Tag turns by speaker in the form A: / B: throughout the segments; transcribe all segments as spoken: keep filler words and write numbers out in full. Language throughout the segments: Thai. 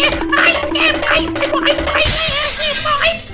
A: ไปแกไปไปบอกให้ไปแกบอกให้ไป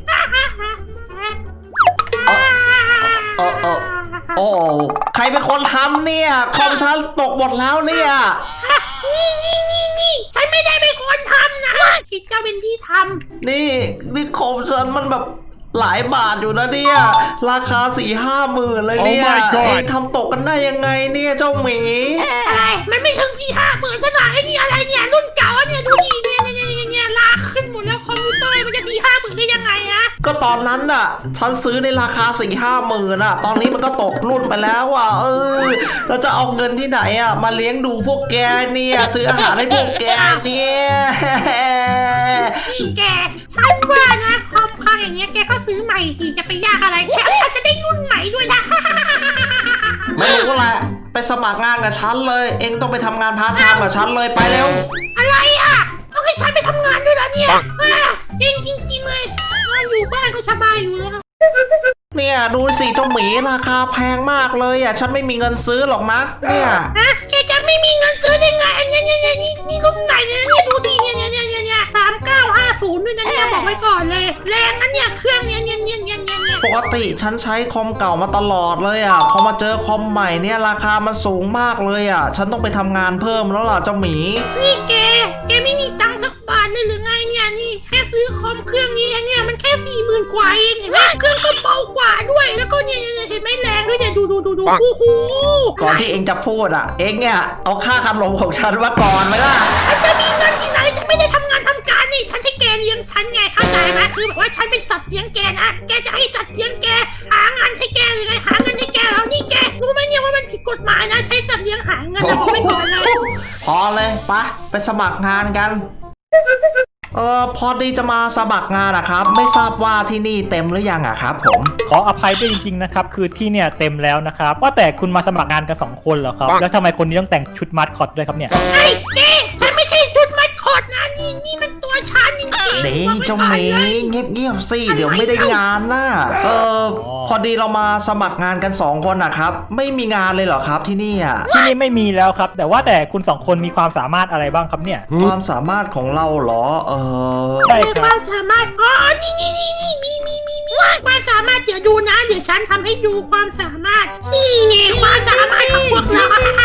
B: เออเออโอ้ใครเป็นคนทำเนี่ยคอมฉันตกหมดแล้วเนี่ย
A: นี่นี่นี่นี่ฉันไม่ได้เป็นคนทำนะคิดเจ้าเป็นที่ท
B: ำนี่นี่คอมฉันมันแบบหลายบาทอยู่นะเนี่ยราคาสี่ห้าหมื่นเลยเนี่ย
C: oh
B: เองทำตกกันได้ยังไงเนี่ยเจ้าหมี
A: อะไรมันไม่ถึงสี่ห้าหมื่นซะหน่อยไอ้นี่อะไรเนี่ยรุ่นเก่าเนี่ยดูดิเนี่ยเนี่ยเนี่ยเนี่ยลากขึ้นหมดแล้วคอมพิวเตอร์มันจะสี่ห้าหมื่นได้ยังไงอะ
B: ก็ตอนนั้นน่ะฉันซื้อในราคาสี่ห้าหมื่นอ่ะตอนนี้มันก็ตกรุ่นไปแล้วอ่ะเออเราจะเอาเงินที่ไหนอ่ะมาเลี้ยงดูพวกแกเนี่ยซื้ออาหารให้พวกแกเนี่ย
A: นี่แกฉันว่านะคอมพังอย่างเงี้ยแกก็ซื้อใหม่สิจะไปยากอะไรแค่อาจจะได้รุ่นใหม่ด้วยนะ
B: ไม่รู้แหละไปสมัครงานกับฉันเลยเองต้องไปทำงานพาร์ทไทม์กับฉันเลยไปเร็ว
A: อะไรอ่ะต้องให้ฉันไปทำงานด้วยเหรอเนี่ยจริงจริงจริงเลยอยู่บ้านก็สบายอยู่แล้ว
B: เนี่ยดูสิเจ้าหมีราคาแพงมากเลยอ่ะฉันไม่มีเงินซื้อหรอกนะเนี่ย
A: ฮะแกจะไม่มีเงินซื้อได้ไงอันนี้เนี่ยเนี่ยนี่นี่รุ่นไหนเนี่ยเนี่ยดูดิเนี่ยเนี่ยเนี่ยเนี่ยสามเก้าห้าศูนย์ด้วยนะเนี่ยบอกไว้ก่อนเลยแรงอันเนี่ยเครื่องเนี่ยเนี่ยเนี่ยเนี่ยเนี่ย
B: ปกติฉันใช้คอมเก่ามาตลอดเลยอ่ะพอมาเจอคอมใหม่เนี่ยราคามันสูงมากเลยอ่ะฉันต้องไปทำงานเพิ่มแล้วล่ะเจ้าหมี
A: นี่แกแกไม่มีตังค์สักบาทเลยหรือไงเนี่ยนี่แค่ซื้อคอมเครื่องนี้เนี่ยมันแค่สี่หมื่นกว่าเองเห็นไหมเครื่องก็เบากว่าด้วยแล้วก็เนี่ยเห็นไหมแรงด้วยเนี่ยดูดูดูดูโอ้โห
B: ก่อนที่เองจะพูดอ่ะเองเนี่ยเอาค่าขนมของฉันมาก่อนไหมล่ะ
A: จะมีเงินที่ไหนฉันไม่ได้ทำงานทำการนี่ฉันให้แกเลี้ยงฉันไงเข้าใจไหมคือแบบว่าฉันเป็นสัตว์เลี้ยงแกนะแกจะให้สัตว์เลี้ยงแกหางานให้แกหรือไงหาเงินให้แกแล้วนี่แกรู้ไหมเนี่ยว่ามันผิดกฎหมายนะใช้สัตว์เลี้ยงหาเงินนะบอกไม่ก่อนเลย
B: พอเลยปะไปสมัครงานกันเออพอดีจะมาสมัครงานนะครับไม่ทราบว่าที่นี่เต็มหรือยังอะครับผม
D: ขออภัยด้วยจริงๆนะครับคือที่เนี่ยเต็มแล้วนะครับว่าแต่คุณมาสมัครงานกันสองคนเหรอครับแล้วทำไมคนนี้ต้องแต่งชุดมาสคอตด้วยครับเนี่ย
A: ไอ้เจ๊ฉันไม่ใช่ชุดมาสคอตนะนี่นี่มันตัวฉันจริงๆ
B: เดี๋ยวเจ้าเมย์เงียบๆสิเดี๋ยวไม่ได้งานนะเออพอดีเรามาสมัครงานกันสองคนนะครับไม่มีงานเลยเหรอครับที่นี่อ่ะ
D: ที่นี่ไม่มีแล้วครับแต่ว่าแต่คุณสองคนมีความสามารถอะไรบ้างครับเนี่ย
B: ความสามารถของเราเหรอเออ
A: ใช่ครับความสามารถอ๋อนี่นี่นี่นี่มีมีมีมีความสามารถเดี๋ยวดูนะเดี๋ยวฉันทำให้ดูความสามารถนี่ไงความสามารถของพวกเรา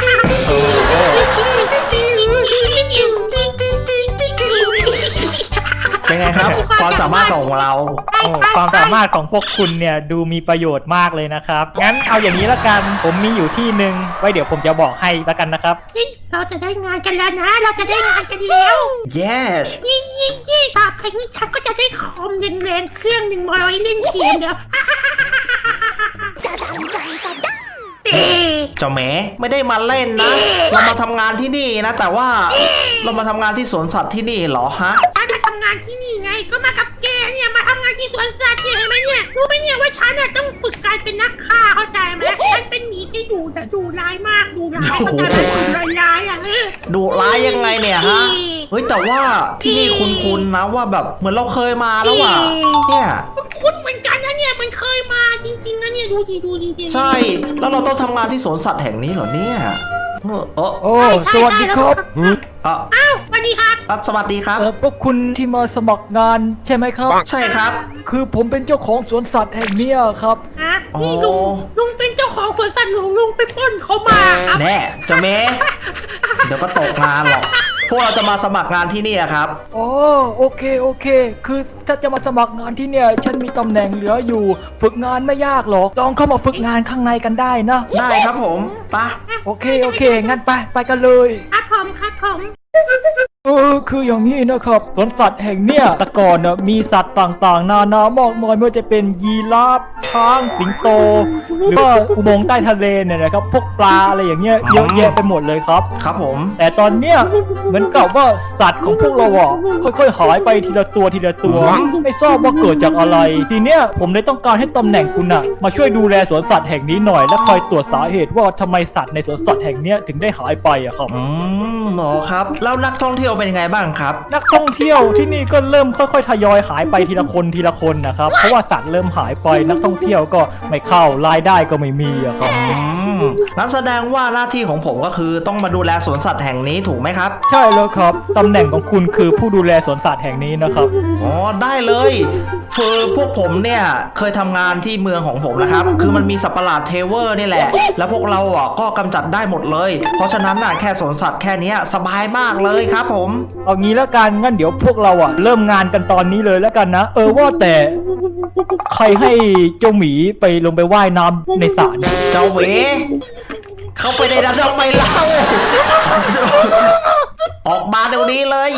B: เป็นไงครับความสามารถของเรา
D: ความสามารถของพวกคุณเนี่ยดูมีประโยชน์มากเลยนะครับงั้นเอาอย่างนี้ละกันผมมีอยู่ที่หนึ่งไว้เดี๋ยวผมจะบอกให้ละกันนะครับ
A: เราจะได้งานกันแล้วนะเราจะได้งานกันแล้ว
B: yes
A: ยี่ยี่ยี่ต่อไปนี้ฉันก็จะได้คอมแรงๆเครื่องหนึ่งมาไว้เล่นเกมเดี๋ยว
B: เจ้าแม่ไม่ได้มาเล่นนะเรามาทำงานที่นี่นะแต่ว่าเรามาทำงานที่สวนสัตว์ที่นี่เหรอฮะ
A: ฉันมาทำงานที่นี่ไงก็มากับแกเนี่ยมาทำงานที่สวนสัตว์เนี่ยเห็นไหมเนี่ยรู้ไหมเนี่ยว่าฉันน่ะต้องฝึกการเป็นนักฆ่าเข้าใจไหมฉันเป็นหมีที่ดุแต่ดุร้ายมากดุร้ายเข้าใจไหมดุร้ายอ่ะ
B: ดุร้ายยังไงเนี่ยฮะเฮ้ยแต่ว่าที่นี่คุ้นๆนะว่าแบบเหมือนเราเคยมาแล้วอ่ะเนี่ย
A: คุ้นเหมือนกันนะเนี่ยมันเคยมาจริงๆนะเนี่ยดูดีดูดี
B: ใช่แล้วเราต้องทำงานที่สวนสัตว์แห่งนี้เหรอเนี่ย
D: โอ้โอ้สวัสดีครับ
A: อ้าวสวัสดีครับ
B: สวัสดีครับ
D: พวกคุณที่มาสมัครงานใช่ไหมครับ
B: ใช่ครับ
D: คือผมเป็นเจ้าของสวนสัตว์แห่งนี้ครับ
A: นี่ลุงลุงเป็นเจ้าของสวนสัตว์ลุงลุงไปปล้นเขามาครับ
B: แน่เจ้าเมย์เดี๋ยวก็ตกงานหรอกพวกเราจะมาสมัครงานที่นี่ครับ
D: อ๋อโอเคโอเคคือถ้าจะมาสมัครงานที่เนี่ยฉันมีตำแหน่งเหลืออยู่ฝึกงานไม่ยากหรอกลองเข้ามาฝึกงานข้างในกันได้นะ
B: ได้ครับผมไป
D: โอเคโอเคงั้นไปไปกันเลย
A: ครับผมครับผม
D: เออคืออย่างนี้นะครับสวนสัตว์แห่งเนี้ยแต่ก่อนน่ะมีสัตว์ต่างๆนานามากมายไม่ว่าจะเป็นยีราฟช้างสิงโตหรือว่าอุโมงค์ใต้ทะเลเนี่ยนะครับพวกปลาอะไรอย่างเงี้ยเยอะแยะไปหมดเลยครับ
B: ครับผม
D: แต่ตอนเนี้ยเหมือนกับว่าสัตว์ของพวกเราอ่ะค่อยๆหายไปทีละตัวทีละตัวไม่ทราบว่าเกิดจากอะไรทีเนี้ยผมเลยต้องการให้ตำแหน่งคุณน่ะมาช่วยดูแลสวนสัตว์แห่งนี้หน่อยและคอยตรวจสาเหตุว่าทำไมสัตว์ในสวนสัตว์แห่งเนี้ยถึงได้หายไปอะครับ
B: อืมหมอครับแล้วนักท่องเที่ยวเป็นไงไงบ้างครับ
D: นักท่องเที่ยวที่นี่ก็เริ่มค่อยๆทยอยหายไปทีละคนทีละคนนะครับเพราะว่าสัตว์เริ่มหายไปนักท่องเที่ยวก็ไม่เข้ารายได้ก็ไม่มีอะครับ
B: อืมงั้นแสดงว่าหน้าที่ของผมก็คือต้องมาดูแลสวนสัตว์แห่งนี้ถูกไหมครับ
D: ใช่แล้วครับตำแหน่งของคุณคือผู้ดูแลสวนสัตว์แห่งนี้นะครับ
B: อ๋อได้เลยคือพวกผมเนี่ยเคยทำงานที่เมืองของผมนะครับคือมันมีสัตว์ประหลาดเทเวอร์นี่แหละแล้วพวกเราอ่ะก็กำจัดได้หมดเลย เพราะฉะนั้นน่ะแค่สวนสัตว์แค่เนี้ยสบายมากเลยครับผม
D: เอางี้แล้วกันงั้นเดี๋ยวพวกเราอ่ะเริ่มงานกันตอนนี้เลยแล้วกันนะเออว่าแต่ใครให้เจ้าหมีไปลงไปว่ายน้ำในสระเนี่ย
B: เจ้าเหวเข้าไปในนั้นทำไมเล่าออกมาเดี๋ยวนี้เลย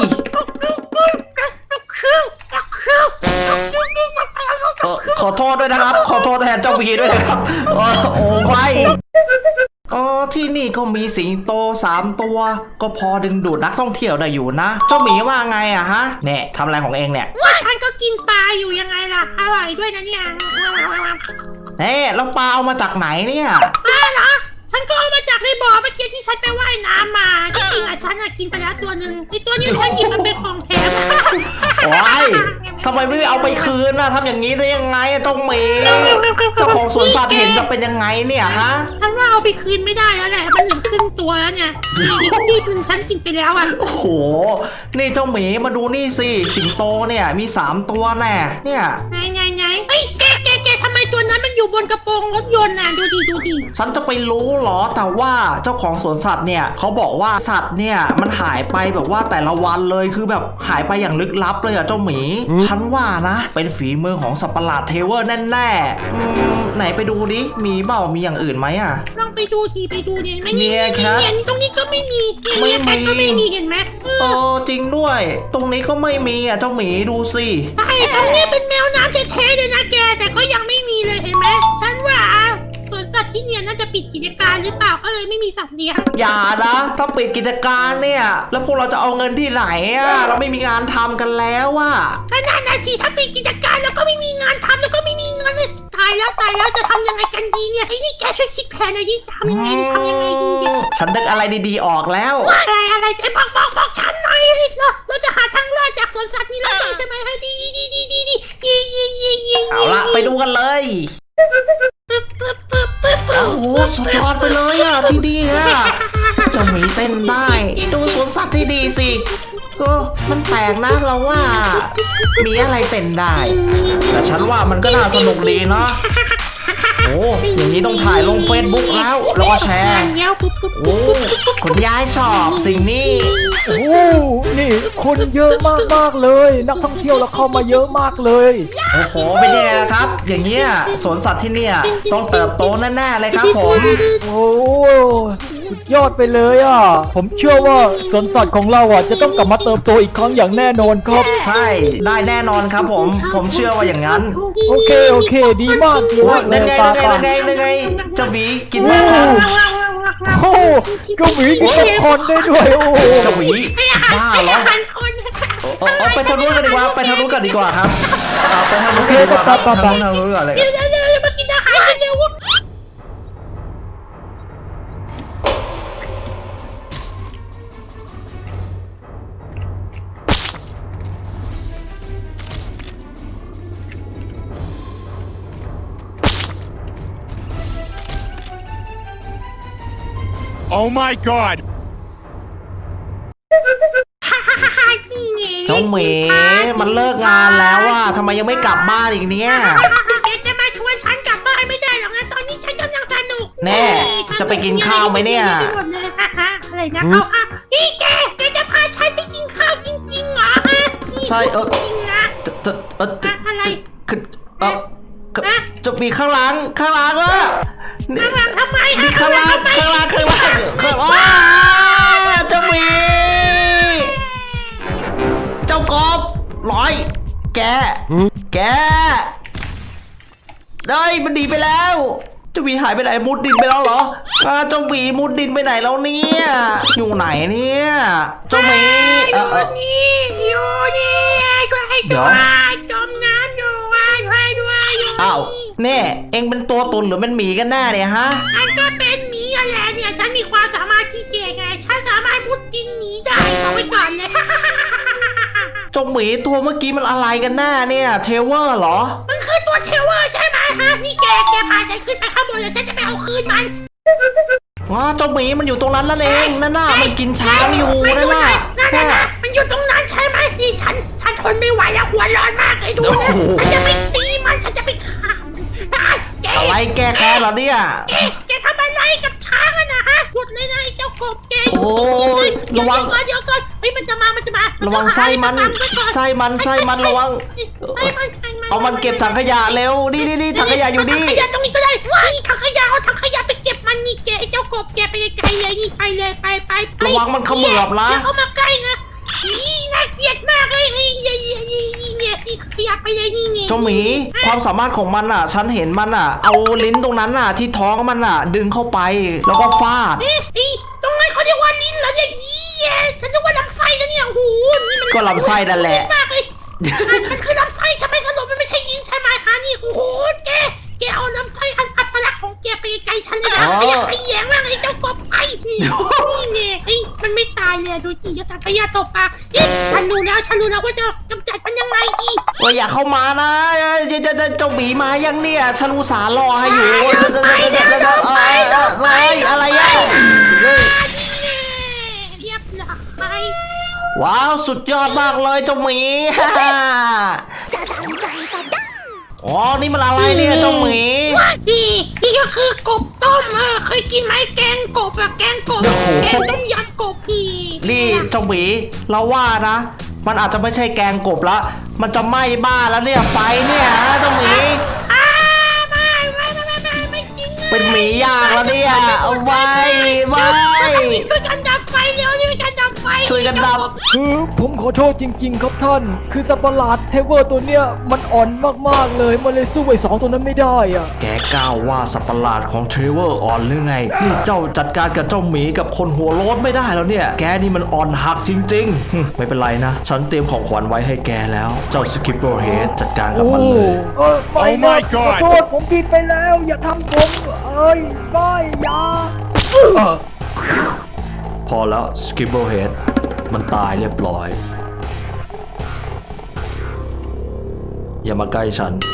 B: เออขอโทษด้วยนะครับ ขอโทษแทนเจ้าหมีด้วยนะครับเออโอ้ไว้อ๋อที่นี่ก็มีสิงโตสามตัวก็พอดึงดูดนักท่องเที่ยวได้อยู่นะ เจ้าหมีว่าไงอะฮะเนี่ยทำอะไรของเองเนี่ย
A: ว่าฉันก็กินปลาอยู่ยังไงล่ะอร่อยด้วยนะเนี่ย
B: เอ๊ะแล้วปลาเอามาจากไหนเนี่ย
A: ปลาเหรอฉันก็เอามาจากในบ่อเมื่อกี้ที่ฉันไปว่ายน้ำมาจริงๆอ่ะฉันอ่ะกินไปแล้วตัวหนึ่งไอตัวนี้ฉันหยิบมาเป็นของแถม
B: โอ้ยทำไมไม่เอาไปคืนน่ะทำอย่างนี้ได้ยังไงอะเจ้าหมีเจ้าของสวนสัตว์เห็นจะเป็นยังไงเนี่ยฮะ
A: ฉันว่าเอาไปคืนไม่ได้แล้วแหละมันเหลือครึ่งตัวแล้วเนี่ยอีกที่หนึ่งฉันกินไปแล้วอ่ะ
B: โอ้โหนี่เจ้าหมีมาดูนี่สิสิงโตเนี่ยมีสามตัวแน่เนี่ย
A: ไงไงไงเฮ้ยแกแกแกทำไมตัวนั้นมันอยู่บนกระโปรงรถยนต์น่ะดูดิดูดิ
B: ฉันจะไปรู้เหรอแต่ว่าเจ้าของสวนสัตว์เนี่ยเขาบอกว่าสัตว์เนี่ยมันหายไปแบบว่าแต่ละวันเลยคือแบบหายไปอย่างลึกลับเลยอะเจ้าหมี ฉันว่านะเป็นฝีมือของสัตว์ประหลาดเทเวอร์แน่ๆอืมไหนไปดูดิมีเปล่ามีอย่างอื่นไหมอะ
A: ลองไปดูทีไปดูเนี่ยไม่
B: เนี่
A: นี่
B: ยครับ
A: เนี่ยนี่ตรงนี้ก็ไม่มี
B: ไม่
A: เนี่ย
B: มี
A: แคทก็ไม่มีเห็นไหมเอ
B: เอ
A: อ
B: อจริงด้วย ตรงนี้ก็ไม่มีอะเจ้าหมีดูสิ
A: ใช่ตรงนี้เป็นแมวน้ำแท้ๆเลยนะแกแต่ก็ยังไม่มีเลยเห็นไหมฉันว่าสวนสัตว์ที่เนี่ยน่าจะปิดกิจการหรือเปล่าก็เลยไม่มีสัตว์เลี้ยง
B: อย่านะถ้าปิดกิจการเนี่ย แล้วพวกเราจะเอาเงินที่ไหนอะเราไม่มีงานทำกันแล้วอะ
A: ขนาดนาทีถ้าปิดกิจการแล้วก็ไม่มีงานทำแล้วก็ไม่มีเงินเลยตายแล้วตายแล้วจะทำยังไงกันดีเนี่ยไอ้นี่แกช่วยคิดแผนหน่อยดิทำยังไงดีทำยังไงดีเนี่ย
B: ฉันนึกอะไรดีๆออกแล้ว
A: อะไรอะไรไอ้บอกบอกบอกฉันหน่อยดิเราเราจะหาทางรอดจากสวนสัตว์นี้แล้วใช่ไหมให้ดีดีดีดีดีดีดีดีดี
B: เอาละไปดูกันเลย
A: ปึ๊บปึ๊บปึ๊บปึ๊บปึ๊บ
B: โอ้โหสุดยอดไปเลยอะที่นี่อะเจ้าหมีเต้นได้ ดูสวนสัตว์ที่ดีสิเออมันแปลกนะเราว่า มีอะไรเต้นได้ แต่ฉันว่ามันก็น่าสนุกดีเนาะโอ้อย่างนี้ต้องถ่ายลงเฟซบุ๊กแล้วแล้วก็แชร์
A: เงี้ยปุ๊บปุ๊บ
B: โอ้คุณยายชอบสิ่งนี้
D: โอ้นี่คนเยอะมากๆเลย นักท่องเที่ยวเราเข้ามาเยอะมากเลย
B: โอ้โหเป็นยังไงล่ะครับ อย่างเงี้ยสวนสัตว์ที่เนี่ยต้องเติบโตแน่ๆเลยครับผม
D: โอ้สุดยอดไปเลยอ่ะผมเชื่อว่าสวนสัตว์ของเราอ่ะจะต้องกลับมาเติบโตอีกครั้งอย่างแน่นอนครับ
B: ใช่ได้แน่นอนครับผม ผมเชื่อว่าอย่างนั้น
D: โอเคโอเค ดีมากดีมากเล
B: นั่
D: ย
B: นไง
D: ปา
B: นั่นไง
D: ปา
B: นั่นไงนั่นไงเจ้าหมีกินไหมครับ
D: โอ้เจ้าหมีกินป๊อปคอร์นได้ด้วยโอ้
B: เจ้าหมีบ้าเหรอ
A: หันคน
B: เอาเอาไปทางนู้นกันดีกว่าไปทางนู้นกันดีกว่าครับเอาไปทางนู้นกันดีกว่าครับทางนู้นทางนู้นก่อนเลย
A: เดี๋ยวเดี๋ยวเดี๋ยวมากินอาหารกันเร็ว
C: Oh my god!
A: ฮ่าฮ่าฮ่าฮ่าที่เนี่ย
B: เจ้าหมีมันเลิกงานแล้วว่าทำไมยังไม่กลับบ้านอีกเนี่ย
A: แกจะมาชวนฉันกลับบ้านไม่ได้หรอกนะตอนนี้ฉันกำลังสนุก
B: แน่จะไปกินข้าวไหมเนี่ย
A: อะไรนะข้าวข้าวนี่แกแกจะพาฉันไปกินข้าวจริงๆเหรอฮะ
B: ใช่เออ
A: จริงนะ
B: จะจะเออจะ
A: อะไร
B: คือเออจะมีข้างหลังข้างหลังอ่ะ
A: ข้างหลังทำไม
B: มีข้างหลังข้างหลังข้างหลังข้างว้าเจ้าหมีเจ้ากบร้อย แกแกได้มันหนีไปแล้วเจ้าหมีหายไปไหนมุดดินไปแล้วเหรออ่าเจ้าหมีมุดดินไปไหนแล้วเนี่ยอยู่ไหนเนี่ยเจ้าหมีเออเออ
A: นี่อยู่นี่ช่วยให้ด้วยจมน้ำอยู่ช่วยด้วยอยู่
B: อ้าวเน่เอ็งเป็นตัวตุนหรือเป็นหมีกันแน่เนี่ยฮะ
A: ฉันก็เป็นหมีอะไรเนี่ยฉันมีความสามารถพิเศษไงฉันสามารถมุดดินหนีได้เอาไว้ก่อนเลย
B: เจ้าหมีตัวเมื่อกี้มันอะไรกันหน้าเนี่ยเทเวอร์เหรอ
A: มันคือตัวเทเวอร์ใช่ไหมฮะนี่แกแกพาฉันขึ้นไปข้างบนเลยฉันจะไปเอาคืนมัน
B: ว้าเจ้าหมีมันอยู่ตรงนั้นนั่นเองนั่นน่ะมันกินช้างอยู่นั่นน่ะ
A: นั่นน่ะมันอยู่ตรงนั้นใช่ไหมนี่ฉันฉันทนไม่ไหวแล้วหัวร้อนมากเลยดูนะฉันจะไปตีมันฉันจะไปฆ่ามันแก
B: อะไรแก้แค้นเหรอเนี่ย
A: แกแกทำอะไรกับช้างอะนะฮะหยุดเลยนะไอ้เจ้ากบแก
B: โอ้ย
A: เดี๋ยว
B: ระวัง
A: ก่อนเดี๋ยวก่อนเฮ้ยมันจะมามันจะมา
B: ระวังไส้มันไส้มันไส้มันระวัง
A: ไส้มันไส้มัน
B: เอามันเก็บถังขยะเร็วนี่นี่นี่ถังขยะอยู่นี่
A: ถังขยะตรงนี้ก็ได้ว้ายถังขยะเอาถังขยะไปเก็บมันนี่แกไอ้เจ้ากบแกไปไกลๆเลยนี่ไปเลยไปไปไประ
B: วังมันเขมือบนะ
A: อย่าเข้ามาใกล้นะนี่น่าเกลียดมากเลยนี่นี่นี่นี่นี่เนี่ยนี่ขยะไปเลยนี่เนี่ย
B: เจ้าหมีความสามารถของมันอ่ะ ฉันเห็นมันอ่ะ เอาลิ้นตรงนั้นอ่ะ ที่ท้องมันอ่ะ ดึงเข้าไปแล้วก็ฟาด
A: เอ๊ะไอ้ตรงนั้นเขาเรียกว่าลิ้นเหรอเนี่ยยี่แย่ฉันนึกว่าลำไส้นะเนี่ยโอ้โหนี่มัน
B: ก็ลำไส้นั่นแหละ
A: มากเลยมันคือลำไส้ใช่ไหมสรุปมันไม่ใช่ลิ้นใช่ไหมฮะนี่โอ้โหแกแกเอาลำไส้อันอัปลักษณ์ของแกไปไกลฉันเลยนะ
B: อ๋อ
A: ขยะขยงมากไอ้เจ้ากบไอ้นี่นี่เนี่ยไอ้มันไม่ตายเลยดูสิจะตัดขยะตบปากเอ๊ะฉันรู้แล้วฉันรู้แล้วว่าจะกำจัดมันยังไงดี
B: ว่าอย่าเข้ามานะเอ้ยเจ้าเจ้าเจ้าเจ้าหมีมายังเนี่ยฉันอุตส่าห์รอให้อยู่
A: ไป
B: เจ้าเจ้า
A: ไป
B: เจ้าเจ้าเจ้าเอ้ยเอ้ยเอ้ยอะไรอ่ะเฮ้ย
A: เรียบร้อย
B: ว้าวสุดยอดมากเลยเจ้าหมี อ๋อนี่มันอะไรเนี่ยเจ้าหมี
A: นี่นี่ก็คือกบต้มเออเคยกินไหมแกงกบอะแกงกบ
B: โอ้โห
A: แกงต้มยำกบนี่
B: นี่เจ้าหมีเราว่านะ มันอาจจะไม่ใช่แกงกบละมันจะไหม้บ้านแล้วเนี่ยไฟเนี่ยนะเจ้าหมี
A: อ้าไม่ไม่ไม่ไม่ไม่ไม่จริงอะ
B: เป็นหมีย่างแล้วเนี่ยเอาไว้ไว้
A: ช่วยกันดับไฟเร็วนี่เป็นการดับไฟ
B: ช่วยกันดับ
D: คือผมขอโทษจริง ๆ ครับท่าน คือสัตว์ประหลาดเทเวอร์ตัวเนี้ยมันอ่อนมากๆเลยมันเลยสู้ไอ้สองตัวนั้นไม่ได้อ่ะ
B: แกกล้าวว่าสัตว์ประหลาดของเทรเวอร์อ่อนหรือไงนี่เจ้าจัดการกับเจ้าหมีกับคนหัวโล้นไม่ได้แล้วเนี่ย แกนี่มันอ่อนหักจริงๆหึไม่เป็นไรนะ ฉันเตรียมของขวัญไว้ให้แกแล้ว เจ้าสกิปเปอร์เฮดจัดการกับมันเลย
D: เออไม่
C: Oh
D: นะ
C: my
D: ขอ
C: God
D: โทษผมผิดไปแล้ว อย่าทำผมเอ้ยไม่อย่าเออ
B: พอแล้วสกิปเปอร์เฮดมันตายเรียบร้อย อย่ามาใกล้ฉัน